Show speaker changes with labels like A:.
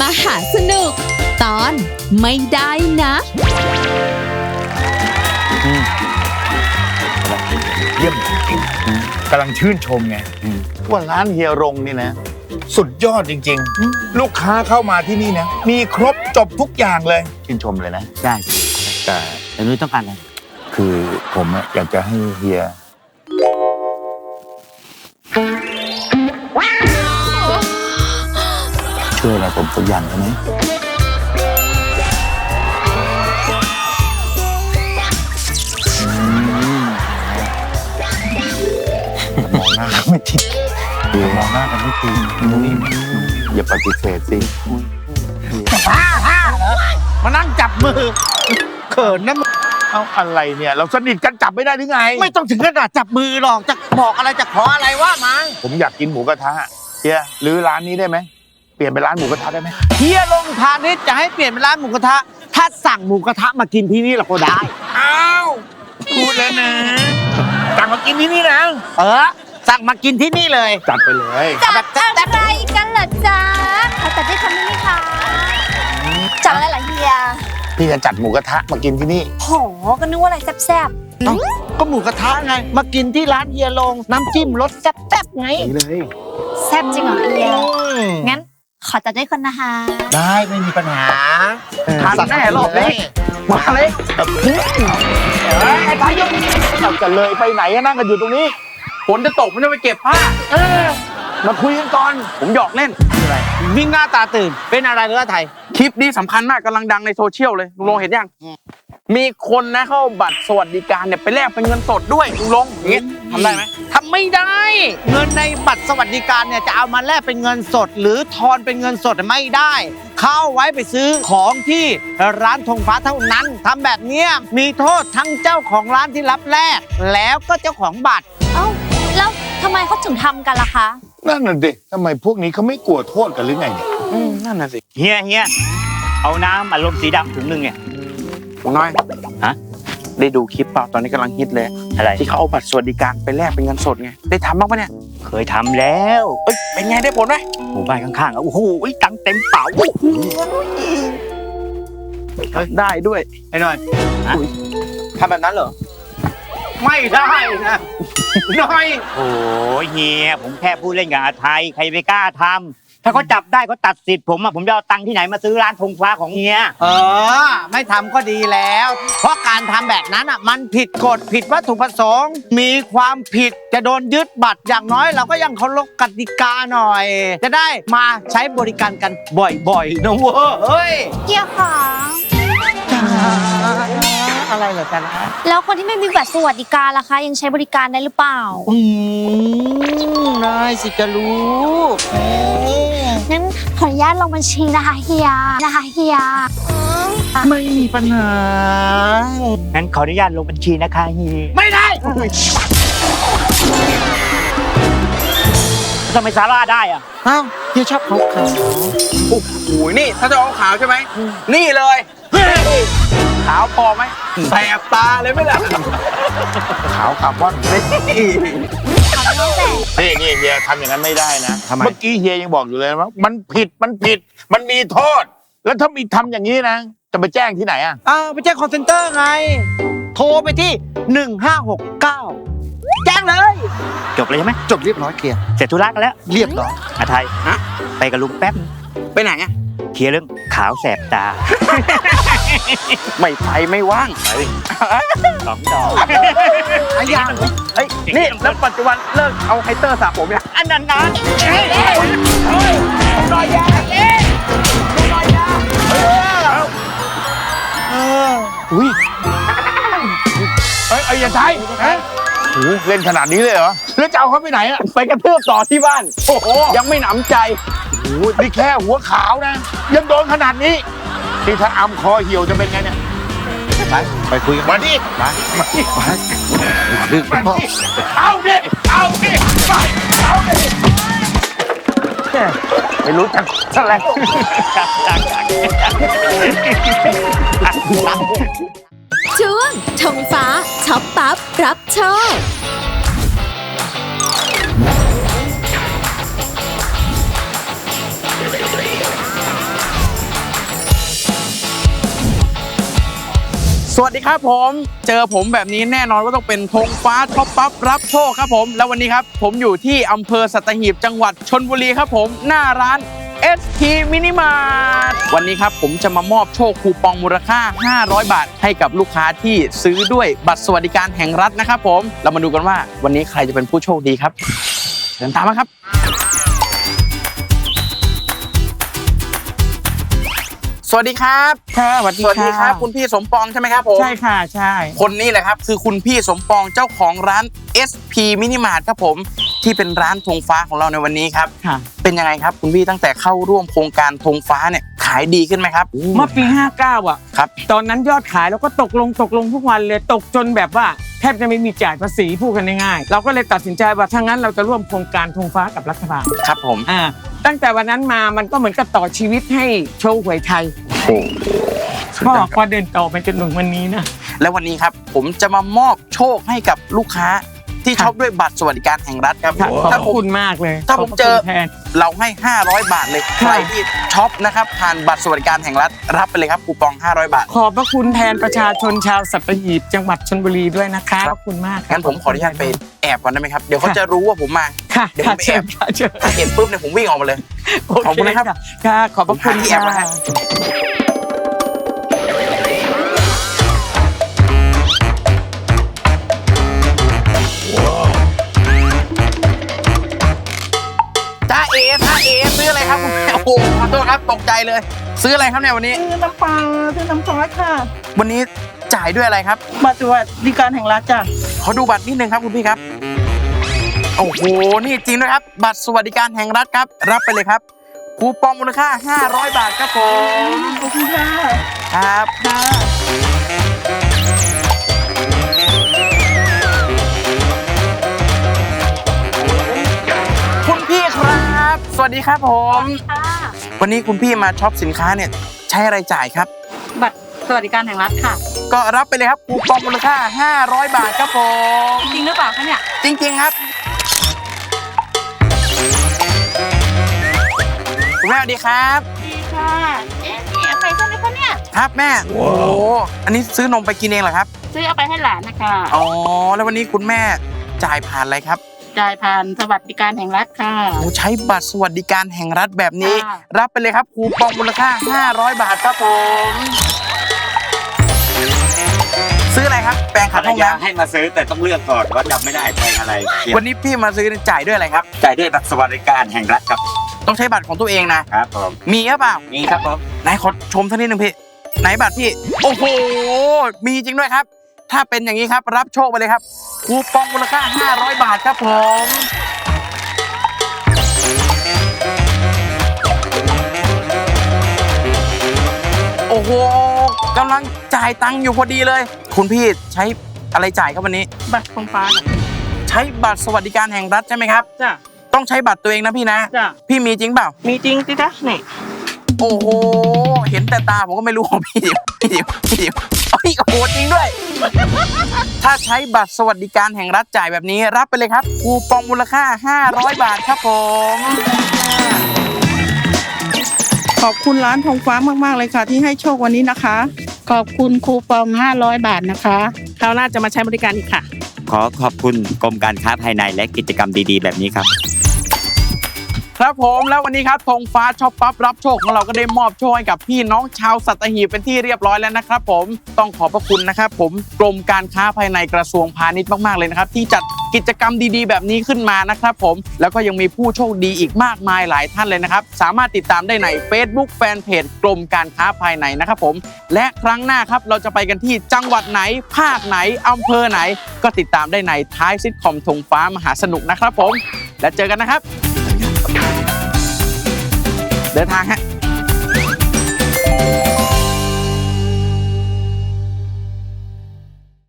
A: หาสนุกตอนไม่ได้นะ
B: เยี่ยมจริงกำลังชื่นชมไงว่าร้านเฮียรงนี่นะสุดยอดจริงๆลูกค้าเข้ามาที่นี่นะมีครบจบทุกอย่างเลยชื่นชมเลยนะ
C: ได้
B: แต่
C: นุ้ยต้องการอะไร
B: คือผมอยากจะให้เฮียช่วยอะไรผมสักอย่างได้ไหมมองหน้ากันไม่ติดมองหน้ากันไม่ติดนี่อย่าปฏิเสธสิ
C: เหรอมานั่งจับมือเขินนะ
B: เอาอะไรเนี่ยเราสนิทกันจับไม่ได้หรือไง
C: ไม่ต้องถึงขนาดจับมือหรอกจะบอกอะไรจะขออะไรว่ามา
B: ผมอยากกินหมูกระทะเฮียหรือร้านนี้ได้ไหมเปลี่ยนเป็นร้านหมูกระทะได้ไหม
C: เฮียลงพาณิชย์จะให้เปลี่ยนเป็นร้านหมูกระทะถ้าสั่งหมูกระทะมากินที่นี่เราก็ได้
B: อ้าวพูดแล้วนะสั่งมากินที่นี่นะ
C: สั่งมากินที่นี่เลย
B: จัดไปเลย
D: จัดอะไรกันเหรอจ๊ะเขาจัดได้คำนี้ไหมคะจัดอะไรเหรอเฮีย
B: พี่จะจัดหมูกระทะมากินที่นี่
D: โหก็นึกว่าอะไรแซ่บ
C: ๆก็หมูกระทะไงมากินที่ร้านเฮียลงน้ำจิ้มรสแซ่บๆไง
B: เลย
D: แซ่บจริงเหรอเฮียงั้นขอจัดได้คนนะคะ
C: ได้ไม่มีปัญหา
B: ทานแน่รอบนี้มาเลยไอ้พายุเราจะเลยไปไหนนั่งกันอยู่ตรงนี้
E: ฝนจะตกผมจะไปเก็บผ้า
B: มาคุยกันก่อน
E: ผมหยอกเล่น
C: อะไรวิ่งหน้าตาตื่นเป็นอะไรเรือไทย
E: คลิปนี้สำคัญมากกำลังดังในโซเชียลเลยลุงลงเห็นยังมีคนนะเข้าบัตรสวัสดิการเนี่ยไปแลกเป็นเงินสดด้วยลุงลงอย่างงี้ทำได้ไหม
C: ทำไม่ได้เงินในบัตรสวัสดิการเนี่ยจะเอามาแลกเป็นเงินสดหรือทอนเป็นเงินสดไม่ได้เข้าไว้ไปซื้อของที่ร้านธงฟ้าเท่านั้นทำแบบนี้มีโทษทั้งเจ้าของร้านที่รับแลกแล้วก็เจ้าของบัตร
D: เอ้าแล้วทำไมเขาถึงทำกันล่ะคะ
B: นั่นน่ะดิทำไมพวกนี้เขาไม่กลัวโทษกันหรือไงเนี่ย
E: นั่นน่ะสิ
C: เฮียเอาน้ำอัดลมสีดำถุงนึงเนี่ย
E: น้อยฮะได้ดูคลิปเปล่าตอนนี้กำลังฮิตเลย
C: อะไร
E: ที่เขาเอาบัตรสวัสดิการไปแลกเป็นเงินสดไงได้ทำบ้างปะเนี่ย
C: เคยทำแล้ว
E: เป็นไงได้ผลไหม
C: หมู่บ้านข้างๆโอ้โหตังเต็มเป๋า
E: ได้ด้วย
C: ไอ้หน่อย
E: ทำแบบนั้นเหรอ
C: ไม่ได้นะน้อยโอ้ยเฮียผมแค่พูดเล่นกับอาไทยใครไปกล้าทำถ้าเขาจับได้เขาตัดสิทธิ์ผมจะเอาตังค์ที่ไหนมาซื้อร้านธงฟ้าของเฮียไม่ทำก็ดีแล้วเพราะการทำแบบนั้นมันผิดกฎผิดวัตถุประสงค์มีความผิดจะโดนยึดบัตรอย่างน้อยเราก็ยังเคารพกติกาหน่อยจะได้มาใช้บริการกันบ่อยๆนะเว้ยเฮ้ย
D: เกี่ยวของ
C: อะไรเหรอจ๊ะ
D: แล้วคนที่ไม่มีบัตรสวัสดิการล่ะคะยังใช้บริการได้หรือเปล่า
C: ได้สิจะรู้
D: งั้นขออนุญาตลงบัญชีนะคะเฮีย
C: ไม่มีปัญหางั้นขออนุญาตลงบัญชีนะคะเฮียไม่ได้ทำไมซาร่าได้อะอ้าวเฮียชอบขาว
E: โอ้โหนี่ถ้าจะเอาขาวใช่ไหมนี่เลยขาวพอไหมแสบตาเลยไม่ล่ะ
B: ขาวคาร์บอนนี่เฮียทำอย่างนั้นไม่ได้นะเมื่อกี้เฮียยังบอกอยู่เลยว่ามันผิดมันมีโทษแล้วถ้ามีทำอย่างนี้นะจะไปแจ้งที่ไหนอ่ะ
C: ไปแจ้งคอลเซ็นเตอร์ไงโทรไปที่1569แจ้งเลยจบเลยใช่ไหมจบเรียบร้อยเคลียร์เสร็จธุระกันแล้วเรียบร้อยอาไทยไปกับลุงแป๊บ
E: ไปไหนอ่ะ
C: เคลียร์เรื่องขาวแสบตา
E: ไม่ไปไม่ว่าง
C: 2 ดอก
E: ยังนี่แล้วปัจจุบันเลิกเอาไฮเตอร์สระผมยัง
C: อันนั้นนะ
E: รอยยา
B: อุ้ยไอ้ยาไทยโอ้เล่นขนาดนี้เลยเหรอแล้วจะเอาเขาไปไหนอ่ะ
E: ไปกระทืบต่อที่บ้านโอ้โหยังไม่หนำใจ
B: โอ้นี่แค่หัวขาวนะยังโดนขนาดนี้ที่ถ้าอำคอเหี่ยวจะเป็นไงเนี่ย
C: ไปคุยกัน
B: มาดิเอาดิไม่รู้จักอะไร
A: ช่วงธงฟ้าช็อปปั๊บรับโชค
E: วัสดีครับผมเจอผมแบบนี้แน่นอนว่าต้องเป็นธงฟ้าท็อปปั๊บรับโชคครับผมแล้ววันนี้ครับผมอยู่ที่อำเภอสัตหีบจังหวัดชลบุรีครับผมหน้าร้าน SP Mini Mart วันนี้ครับผมจะมามอบโชคคูปองมูลค่า500 บาทให้กับลูกค้าที่ซื้อด้วยบัตรสวัสดิการแห่งรัฐนะครับผมเรามาดูกันว่าวันนี้ใครจะเป็นผู้โชคดีครับเชิญตามมาครับสวัสดีครับค่ะสวัสดีครับคุณพี่สมปองใช่ไหมครับผมใช่ค่ะใช่คนนี้แหละครับคือคุณพี่สมปองเจ้าของร้าน SP Mini Mart ครับผมที่เป็นร้านธงฟ้าของเราในวันนี้ครับเป็นยังไงครับคุณพี่ตั้งแต่เข้าร่วมโครงการธงฟ้าเนี่ยขายดีขึ้นไหมครับ
F: เมื่อปี59อ่ะ
E: ครับ
F: ตอนนั้นยอดขายเราก็ตกลงทุกวันเลยตกจนแบบว่าแทบจะไม่มีจ่ายภาษีพูดกันง่ายๆเราก็เลยตัดสินใจว่าถ้างั้นเราจะร่วมโครงการธงฟ้ากับรัฐบาล
E: ครับผม
F: ตั้งแต่วันนั้นมามันก็เหมือนกับต่อชีวิตให้โชว์หวยไทยก็เดินต่อไปจนถึงวันนี้นะ
E: แล้ววันนี้ครับผมจะมามอบโชคให้กับลูกค้าที่ช็อปด้วยบัตรสวัสดิการแห่งรัฐครับ
F: ขอบคุณมากเลย
E: ถ้าผมเจอเราให้500 บาทเลยใครที่ช็อปนะครับผ่านบัตรสวัสดิการแห่งรัฐรับไปเลยครับคูปอง500 บาท
F: ขอบพระคุณแทนประชาชนชาวสัตหีบจังหวัดชลบุรีด้วยนะคะขอบคุณมาก
E: งั้นผมขออนุญาตไปแอบก่อนได้ไหมครับเดี๋ยวเขาจะรู้ว่าผมมาเดี๋ยวผมไปแอบถ้าเห็นปุ๊บเนี่ยผมวิ่งออกมาเลยขอบคุณนะครับ
F: ค่ะขอบพระคุณ
E: ที่แอบมาให้ซื้ออะไรครับโอ้โหขอโทษครับตกใจเลยซื้ออะไรครับเนี่ยวันนี้
G: ซื้อน้ำปลาซื้อน้ำซอสค่ะ
E: วันนี้จ่ายด้วยอะไรครับ
G: บัตรสวัสดิการแห่งรัฐจ้ะ
E: ขอดูบัตรนิดนึงครับคุณพี่ครับโอ้โหนี่จริงด้วยครับบัตรสวัสดิการแห่งรัฐครับรับไปเลยครับคูปองมูลค่า500 บาทครับผม
G: ขอบคุณค่ะ
E: ครับสวัสดีครับผมวันนี้คุณพี่มาช็อปสินค้าเนี่ยใช้อะไรจ่ายครับ
G: บัตรสวัสดิการแห่งรัฐค่ะ
E: ก็รับไปเลยครับคูปองมูลค่า500 บาทครับผม
G: จริงหรือเปล่าคะเนี่ย
E: จริงๆครับคุณแม่สวัสดีครับ
G: ดีค่ะนี่อะไรใช่ไหมคะเนี่ย
E: ครับแม่โอ้อันนี้ซื้อนมไปกินเองเหรอครับ
G: ซื้อเอาไปให้หลานนะคะ
E: อ๋อแล้ววันนี้คุณแม่จ่ายผ่านอะไรครับ
G: จ่ายผ่านสวัสดิการแห่งรัฐค่ะ
E: ใช้บัตรสวัสดิการแห่งรัฐแบบนี้รับไปเลยครับคูปองมูลค่า500 บาทครับผมซื้ออะไรครับแปรงขัดห้องน้ำ
C: ให้มาซื้อแต่ต้องเลือกก่อนว่าจำไม่ได้แปรงอะไร
E: วันนี้พี่มาซื้อจ่ายด้วยอะไรครับ
C: จ่ายด้วยบัตรสวัสดิการแห่งรัฐครับ
E: ต้องใช้บัตรของตัวเองนะครับ
C: ผม
E: มีหรือเปล่า
C: มีครับผม
E: ไหนขอชมท่านนิดนึงพี่ไหนบัตรพี่โอ้โหมีจริงด้วยครับถ้าเป็นอย่างนี้ครับรับโชคไปเลยครับคูปองมูลค่า500 บาทครับผมโอ้โหกำลังจ่ายตังค์อยู่พอดีเลยคุณพี่ใช้อะไรจ่ายครับวันนี้
G: บัตรธงฟ้า
E: ใช้บัตรสวัสดิการแห่งรัฐใช่ไหมครับ
G: จ้ะ
E: ต้องใช้บัตรตัวเองนะพี่นะ
G: จ้ะ
E: พี่มีจริงเปล่า
G: มีจริงสิจ๊ะนี่
E: โอ้โหเห็นแต่ตาผมก็ไม่รู้ของพี่โอ้โหจริงด้วยถ้าใช้บัตรสวัสดิการแห่งรัฐจ่ายแบบนี้รับไปเลยครับคูปองมูลค่า500 บาทครับผม
G: ขอบคุณร้านธงฟ้ามากๆเลยค่ะที่ให้โชควันนี้นะคะขอบคุณคูปอง500 บาทนะคะคราวหน้าจะมาใช้บริการอีกค่ะ
C: ขอขอบคุณกรมการค้าภายในและกิจกรรมดีๆแบบนี้ครับ
E: ครับผมแล้ววันนี้ครับธงฟ้าช็อปปั๊บรับโชคของเราก็ได้มอบโชคให้กับพี่น้องชาวสัตหีบเป็นที่เรียบร้อยแล้วนะครับผมต้องขอบพระคุณนะครับผมกรมการค้าภายในกระทรวงพาณิชย์มากๆเลยนะครับที่จัดกิจกรรมดีๆแบบนี้ขึ้นมานะครับผมแล้วก็ยังมีผู้โชคดีอีกมากมายหลายท่านเลยนะครับสามารถติดตามได้ใน Facebook Fanpage กรมการค้าภายในนะครับผมและครั้งหน้าครับเราจะไปกันที่จังหวัดไหนภาคไหนอำเภอไหนก็ติดตามได้ในท้ายซิทคอมธงฟ้ามหาสนุกนะครับผมและเจอกันนะครับเดินทางฮะ